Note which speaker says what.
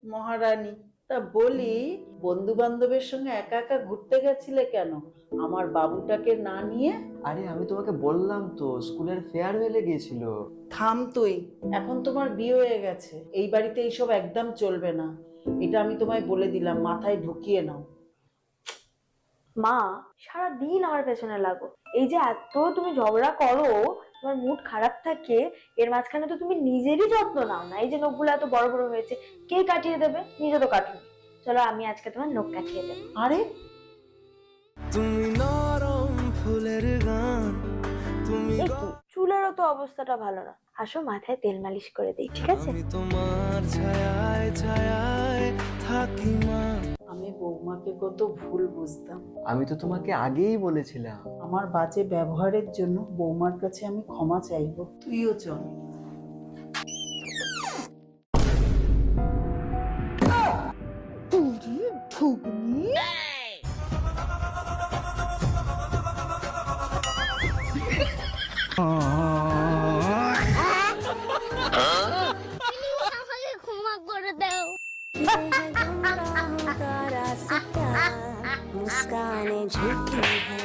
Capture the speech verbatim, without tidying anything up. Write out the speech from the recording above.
Speaker 1: মহারানী, তা বলি, বন্ধু বান্ধবের সঙ্গে একা একা ঘুরতে গেছিলে কেন আমার বাবুটাকে না নিয়ে?
Speaker 2: আরে আমি তোমাকে বললাম তো, স্কুলের ফেয়ারওয়েলে গিয়েছিল।
Speaker 1: থাম তুই। এখন তোমার বিয়ে হয়ে গেছে, এই বাড়িতে এইসব একদম চলবে না। এটা আমি তোমায় বলে দিলাম, মাথায় ঢুকিয়ে নাও।
Speaker 3: মা, সারা দিন আমার পেছনে লাগো। এই যে এত তুমি ঝগড়া করো, তোমার মুড খারাপ থাকে, এর মাঝখানে তো তুমি নিজেরই যত্ন নাও না। এই যে নখগুলো এত বড় বড় হয়েছে, কে কাটিয়ে দেবে? নিজে তো কাটুন। চলো আমি আজকে তোমার নখ কাটিয়ে দেবো।
Speaker 1: আরে
Speaker 4: তুমি নরম ফুলের গান, তুমি
Speaker 3: এই কি, চুলেরও তো অবস্থাটা ভালো না। আসো মাথায় তেল মালিশ করে দিই, ঠিক আছে?
Speaker 4: আমি তোমার ছায়ায় ছায়ায় থাকি মা।
Speaker 1: আমি বৌমাকে কত ভুল বুঝতাম।
Speaker 2: আমি তো তোমাকে আগেই বলেছিলাম।
Speaker 1: আমার বাজে ব্যবহারের জন্য বৌমার কাছে আমি ক্ষমা চাইবো। তুইও চল।
Speaker 5: আমাকে ক্ষমা করে দাও।
Speaker 6: मुस्कान झूठी है।